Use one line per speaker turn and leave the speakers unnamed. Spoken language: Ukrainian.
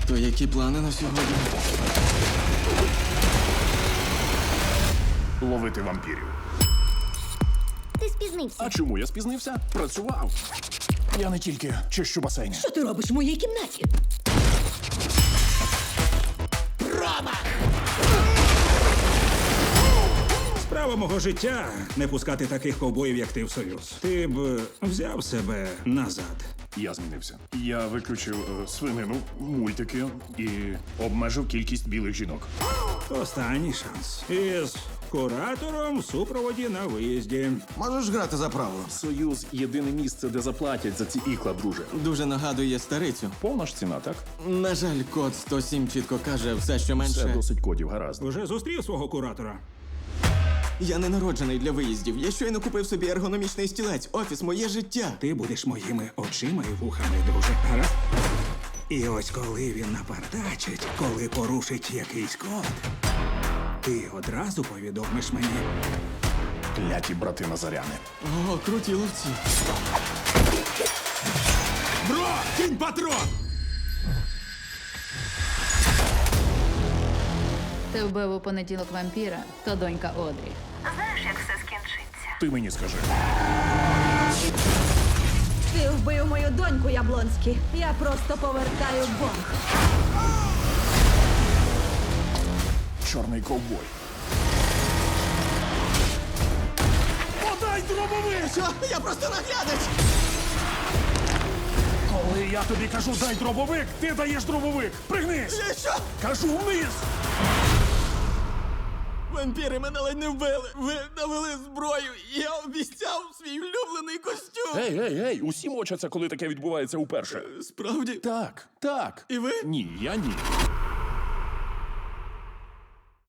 То які плани на сьогодні?
Ловити вампірів.
Ти спізнився.
А чому я спізнився? Працював. Я не тільки чищу басейн.
Що ти робиш в моїй кімнаті?
Справа мого життя не пускати таких ковбоїв, як ти в союз. Ти б взяв себе назад.
Я змінився. Я виключив свинину, мультики і обмежив кількість білих жінок.
Останній шанс. Із куратором в супроводі на виїзді.
Можеш грати за правило?
Союз єдине місце, де заплатять за ці ікла, друже.
Дуже нагадує старицю.
Повна ж ціна, так?
На жаль, код 107 чітко каже все, що менше.
Все досить кодів, гаразд.
Уже зустрів свого куратора.
Я не народжений для виїздів. Я щойно купив собі ергономічний стілець. Офіс, моє життя.
Ти будеш моїми очима і вухами, друже. Гаразд? І ось коли він напартачить, коли порушить якийсь код, ти одразу повідомиш мені.
Кляті брати Назаряни.
О, круті ловці.
Бро, кінь патрон!
Ти вбив у понеділок вампіра, то донька Одрі.
Знаєш, як все скінчиться?
Ти мені скажи.
Ти вбив мою доньку, Яблонський. Я просто повертаю борг.
Чорний ковбой. Подай дробовик!
Що? Я просто наглядач!
Коли я тобі кажу дай дробовик, ти даєш дробовик. Пригнись!
Що?
Кажу вниз!
Вампіри мене ледь не вбили. Ви навели зброю. Я обіцяв свій улюблений костюм.
Ей, усі мочаться, коли таке відбувається уперше.
Справді?
Так.
І ви?
Ні, я ні.